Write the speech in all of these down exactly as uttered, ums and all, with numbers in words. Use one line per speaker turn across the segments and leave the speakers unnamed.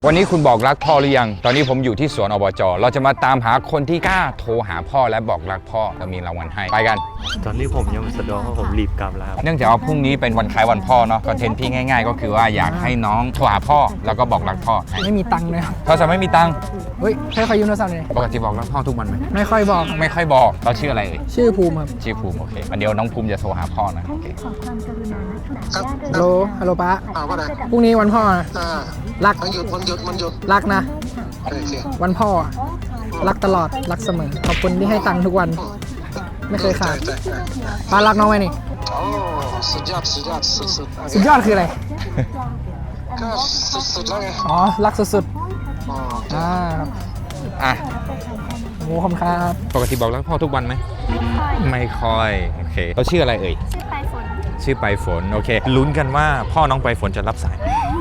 วันนี้คุณบอกรักพ่อหรือยังตอนนี้ผมอยู่ที่สวนอบจเราจะมาตามหาคนที่กล้าโทรหาพ่อและบอกรักพ่อเรามีรางวัลให้ไปกัน
ตอนนี้ผมยังไม่สะดวกเพราะผมรีบกลับแล้ว
เนื่องจากว่าพรุ่งนี้เป็นวันคล้ายวันพ่อเนาะคอนเทนต์พี่ง่ายๆก็คือว่าอยากให้น้องโทรหาพ่อแล้วก็บอกรักพ่อ
ไม่มีตังค์เลยครับ
โทรศัพท์ไม่มีตังค์
เฮ้ยให้เขายืมโทรศัพท์เลย
ปกติบอกรักพ่อทุกวันไหม
ไม่ค่อยบอก
ไม่ค่อยบอกเราชื่ออะไรเอ่ย
ชื่อภูมิครับ
ชื่อภูมิโอเคเดี๋ยวน้องภูมิจะโทรหาพ่อนะโอเค
ฮัลโหลฮัลโหลป้าพรุ่งนี้วันพ่อนะรัก
มันหยุดมันหยุดมันหยุด
รักนะวันพ่อรักตลอดรักเสมอขอบคุณที่ให้ตังค์ทุกวันไม่เคยขาดป้ารักน้องไหมนี่
โอ้สุดยอดสุดยอดสุดสุด
สุดยอดคืออะไร
ก็สุดสุดแล้วไง
อ๋อรักสุดๆอ่าครับ
อ่ะ
โอ้ขอบคุณครับ
ปกติบอกรักพ่อทุกวันไหมไม่ค่อยโอเคเขาชื่ออะไรเอ่ย
ชื่อปลายฝน
ชื่อปลายฝนโอเคลุ้นกันว่าพ่อน้องปลายฝนจะรับสาย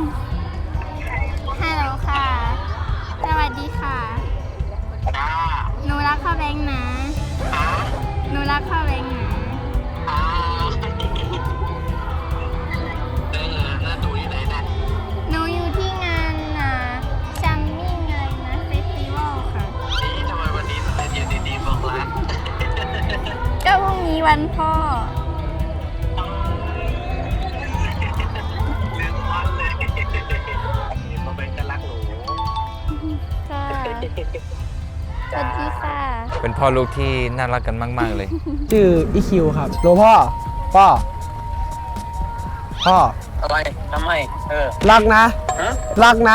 ฮัลโหลค่ะสวัสดีค่ะหนูรักพ่อแบงค์นะหนูรักพ่อแบงค์นะหนูอยู่ที่งานนะจัมมิ่งเลยนะเฟสติวัลค่ะทำไมวันนี้ถึงได้ยืนดีๆบอกรักก็พรุ่งนี้วันพ่อสวัสดีค่ะ
เป็นพ่อลูกที่น่ารักกันมากๆเลย
ชื่ออีคิวครับโลพ่อพ่อพ่อ
อะไรทำไมเออ
รักนะรักนะ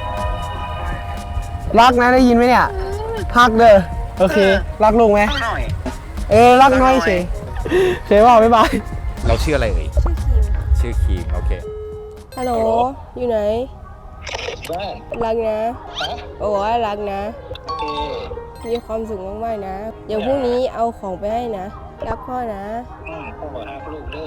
รักนะได้ยินไหมเนี่ยฮักเด้อโอเครักลุงไหมเออรักน้อยเฉยเฉยว่าบ๊ายบาย
เราชื่ออะไรเอ่ยชื่อคีมโอเค
ฮัลโหลอยู่ไหนรักนะโอ้ยรักนะมีความสุขมากๆนะเดี๋ยวพรุ่งนี้เอาของไปให้นะรักพ่อนะ
พ่อบอกรักลูกเด้อ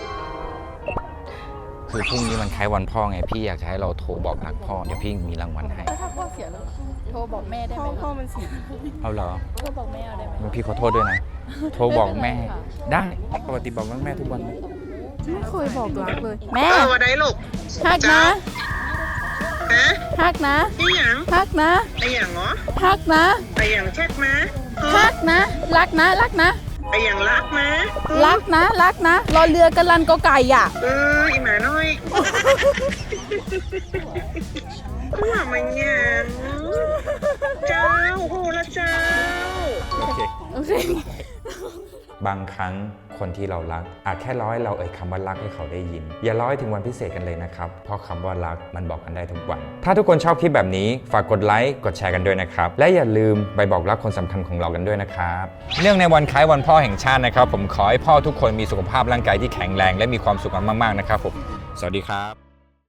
คือพรุ่งนี้มันคล้ายวันพ่อไงพี่อยากจะให้เราโทรบอกรักพ่อเดี๋ยวพี่มีรางวัลให้
ถ้าพ่อเสียแล้วโทรบอกแม่ได้ไหม
พ่อมันเสีย
เอาเหรอ
โทรบอกแม่ได้ไหม
พี่ขอโทษด้วยนะโทรบอกแม่ได้ปกติบอกรักแม่ทุกวันไหม
ไม่เคยบอกรักเลยแม่
เออวันไหนลูก
ฮักนะฮักนะ
ไอ้หยัง
ฮักนะ
ไอ้หยังเหรอ
ฮักนะ
ไอ้หยังเช็ดมา
ฮักนะรักนะรักนะ
ไอ้หยังรักนะ
รักนะรักนะรอเรือกันลันก็ไก่อ่ะ
เอออีหมาน้อยว่ามันยังเจ้าโหละเจ้า
โอเค
โอเค
บางครั้งคนที่เรารักอาจแค่ร้อยเราเอ่ยคำว่ารักให้เขาได้ยินอย่าร้อยถึงวันพิเศษกันเลยนะครับเพราะคำว่ารักมันบอกกันได้ทุกวันถ้าทุกคนชอบคลิปแบบนี้ฝากกดไลค์กดแชร์กันด้วยนะครับและอย่าลืมไปบอกรักคนสำคัญของเรากันด้วยนะครับเนื่องในวันคล้ายวันพ่อแห่งชาตินะครับผมขอให้พ่อทุกคนมีสุขภาพร่างกายที่แข็งแรงและมีความสุขมากๆนะครับผมสวัสดีครับ